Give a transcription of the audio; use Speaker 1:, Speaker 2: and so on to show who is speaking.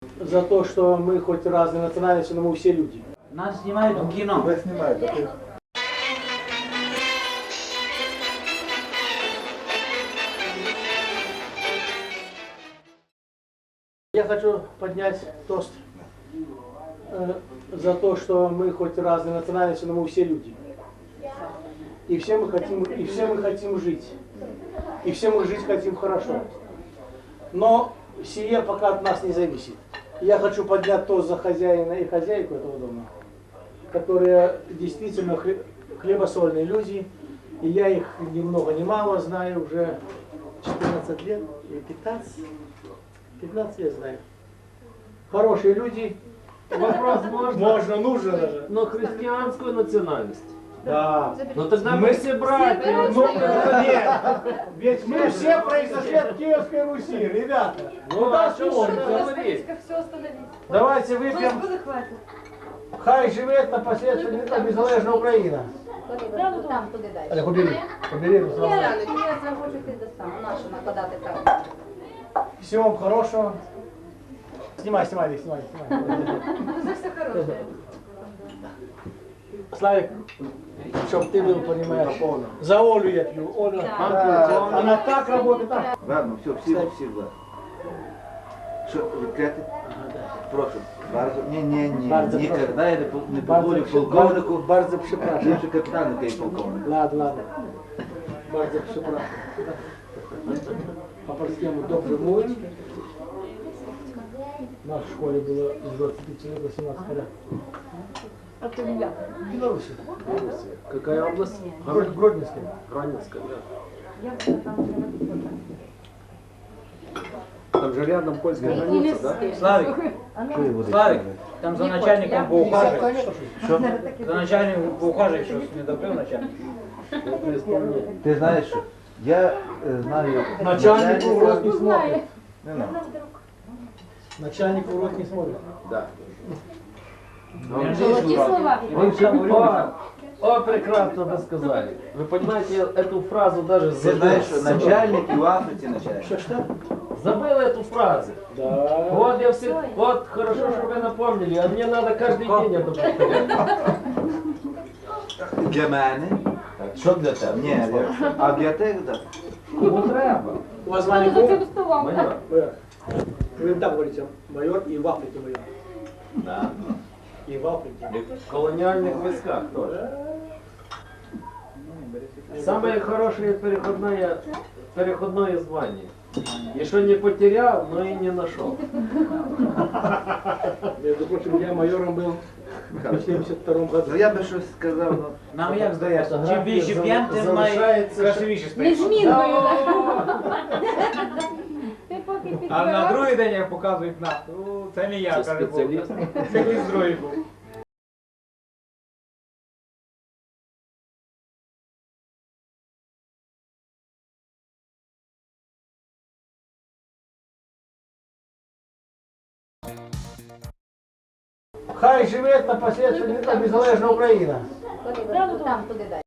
Speaker 1: За то, что мы хоть разные национальности, но мы все люди.
Speaker 2: Нас снимают в кино.
Speaker 3: Вас снимают, а ты...
Speaker 1: Я хочу поднять тост за то, что мы хоть разные национальности, но мы все люди. И все мы хотим жить. И все мы жить хотим хорошо. Но сие пока от нас не зависит. Я хочу поднять тост за хозяина и хозяйку этого дома, которые действительно хлебосольные люди. И я их ни много ни мало знаю уже 14 лет или 15. 15 лет знаю. Хорошие люди.
Speaker 4: Вопрос
Speaker 1: Можно, нужно даже.
Speaker 4: но христианскую национальность.
Speaker 1: Да.
Speaker 4: Ну тогда мы все братья.
Speaker 1: Ну, нет. Ведь мы все произошли от Киевской Руси, ребята.
Speaker 4: Ну а что можно говорить?
Speaker 5: Все остановить.
Speaker 1: Давайте выпьем.
Speaker 5: Господи, хватит.
Speaker 1: Хай живет на последствия незалежна Україна.
Speaker 6: Там туди далі.
Speaker 1: Олег, убери. Убери.
Speaker 6: Я захочу ти достану. Нашу накладати там.
Speaker 1: Всего вам хорошего. Снимай, Вик, снимай.
Speaker 5: За все хорошее.
Speaker 1: Славик, чтоб ты был, понимаешь, за Олю я пью. Оля, она так работает. Так.
Speaker 3: Ладно, всі, два. Що, відкрити? Прошу. Bardzo, ні,
Speaker 1: Bardzo
Speaker 3: ніколи я не
Speaker 1: Bardzo
Speaker 3: позволю полковнику,
Speaker 1: Bardzo przepraszam.
Speaker 3: ліпше капітан, який полковник.
Speaker 1: Ладно. Bardzo przepraszam. Po polskiemu dobrze mówić. В нашей школе было из 25 человек 18 порядков.
Speaker 5: А ты меня?
Speaker 1: Беларуси.
Speaker 4: Какая область?
Speaker 1: Гродненская.
Speaker 4: Гранинская, да.
Speaker 5: Я была там.
Speaker 4: Там же рядом польская граница, да?
Speaker 2: Славик, Славик, там за начальником поухаживай.
Speaker 1: Что?
Speaker 2: За начальником поухаживай, что не добрил начальник.
Speaker 3: Ти знаєш, що я знаю
Speaker 1: Начальник в рот не смотрит.
Speaker 3: Не надо.
Speaker 1: Начальник в рот не смотрит.
Speaker 4: Да.
Speaker 5: Золоті слова.
Speaker 4: О, прекрасно вы сказали. Вы понимаете эту фразу даже
Speaker 3: Ти знаєш, що
Speaker 4: забыл.
Speaker 3: начальник і в Африці начальник.
Speaker 1: Что?
Speaker 4: Забыл эту фразу.
Speaker 1: Да.
Speaker 4: Вот я все, вот хорошо, что вы напомнили, а мне надо каждый день это повторять.
Speaker 3: Для мене.
Speaker 4: Що для тебе?
Speaker 3: Ні, а для тебе, так.
Speaker 4: Кому треба?
Speaker 1: У вас звание кого?
Speaker 4: Майор.
Speaker 1: Майор. Вы так говорите, майор и в Африке майор.
Speaker 4: Да.
Speaker 1: И в Африке.
Speaker 4: И в колониальных войсках тоже. Самое хорошее переходное звание. И что не потерял, но и не нашел.
Speaker 1: Между прочим, я майором был в 72-м году.
Speaker 3: Ну я би щось сказав, ну.
Speaker 2: Нам як здається, чим більше п'єм, тим найкрасивіше
Speaker 5: Не
Speaker 2: стає.
Speaker 5: змінкою,
Speaker 2: А на другий день як показують на, ну це не я,
Speaker 4: Це
Speaker 2: каже Бог.
Speaker 4: спеціаліст.
Speaker 2: Це хтось другий був.
Speaker 1: Хай живет на последствия незалежна Україна.
Speaker 6: Там туди далі.